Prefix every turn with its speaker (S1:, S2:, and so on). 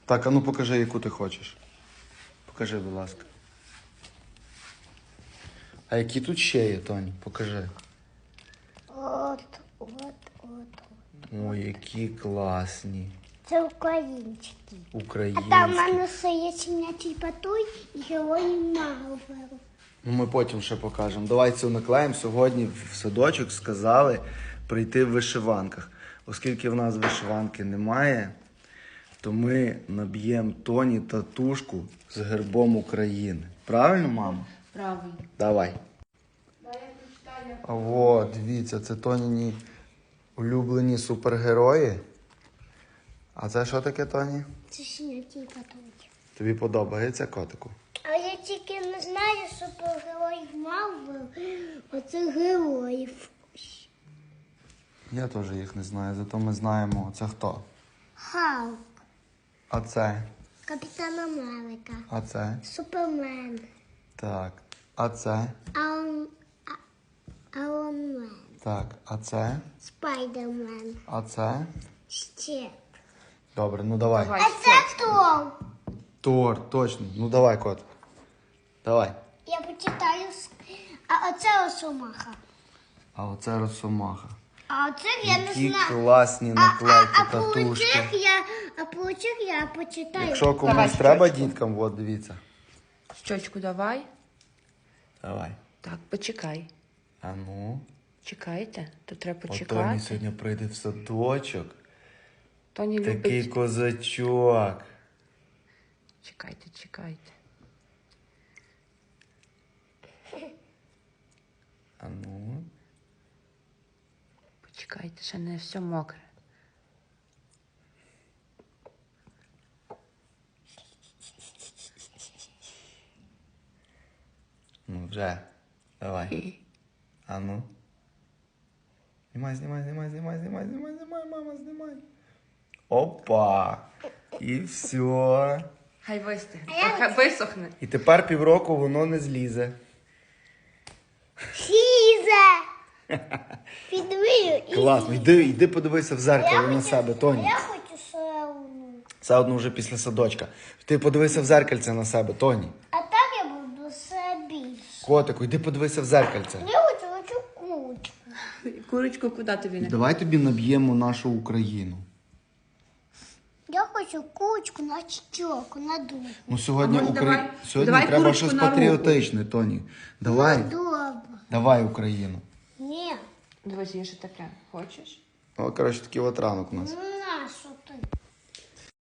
S1: Так, а ну покажи, яку ти хочеш. Покажи, будь ласка. А які тут ще є, Тоні? Покажи.
S2: От.
S1: Ой, які класні.
S2: Це українські. А
S1: Українські.
S2: там в мене ще є щенячий патруль і герої Марвелу.
S1: Ну, ми потім ще покажемо. Давай цю наклеїмо. Сьогодні в садочок сказали прийти в вишиванках. Оскільки в нас вишиванки немає, то ми наб'ємо Тоні татушку з гербом України. Правильно, мамо?
S3: Правильно.
S1: Давай. А от, дивіться, це Тоніні улюблені супергерої. А це що таке, Тоні?
S2: Це щенячий патруль.
S1: Тобі подобається, котику?
S2: А я тільки не знаю супергероїв Марвел. Оце героїв.
S1: Я теж їх не знаю, зато ми знаємо, це хто.
S2: Халк,
S1: А це?
S2: Капітан Америка,
S1: А це?
S2: Супермен,
S1: Так. А це?
S2: Айронмен,
S1: Так. А це?
S2: Спайдермен,
S1: А це?
S2: ще.
S1: Добре, ну давай.
S3: Давай.
S2: А це Тор.
S1: Тор, точно. Ну давай, кот. Давай.
S2: Я почитаю. А оце Росомаха.
S1: А оце Росомаха.
S2: А оце я не
S1: Які
S2: знаю.
S1: класні наклейки,
S2: А про
S1: татушки.
S2: цих я почитаю.
S1: Якщо комусь
S3: Давай,
S1: треба
S3: щочку.
S1: діткам, от дивіться.
S3: Щочку давай.
S1: Давай.
S3: Так, почекай.
S1: А ну.
S3: Чекайте, то треба
S1: Тоні
S3: почекати.
S1: сьогодні прийде в садочок.
S3: Тоні
S1: Такий
S3: любить.
S1: козачок.
S3: Чекайте, чекайте.
S1: А ну.
S3: Почекайте, ще не все мокре.
S1: Ну вже. Давай. А ну. Знімай, мама, знімай. Опа. І все.
S3: Хай вистигне. Хай висохне.
S1: І тепер півроку воно не злізе.
S2: Лізе! Підвію і
S1: Класно. Йди подивися в зеркало на себе, Тоні.
S2: я хочу сауну.
S1: Це одно вже після садочка. Ти подивися в зеркальце на себе, Тоні.
S2: А так я буду все більше.
S1: Котику, йди подивися в зеркальце.
S2: Я хочу кучку.
S3: Курочку куди тобі не?
S1: Давай тобі наб'ємо нашу Україну.
S2: Я хочу кучку на щоку, на дуб.
S1: Ну сьогодні,
S3: А може, давай-
S1: сьогодні
S3: давай
S1: треба
S3: курочку
S1: щось
S3: на руку.
S1: патріотичне, Тоні. Давай,
S2: Добре.
S1: давай Україну.
S2: Ні.
S3: Дивись, є ще таке. Хочеш?
S1: О, коротше, такий от ранок у нас.
S2: Наш.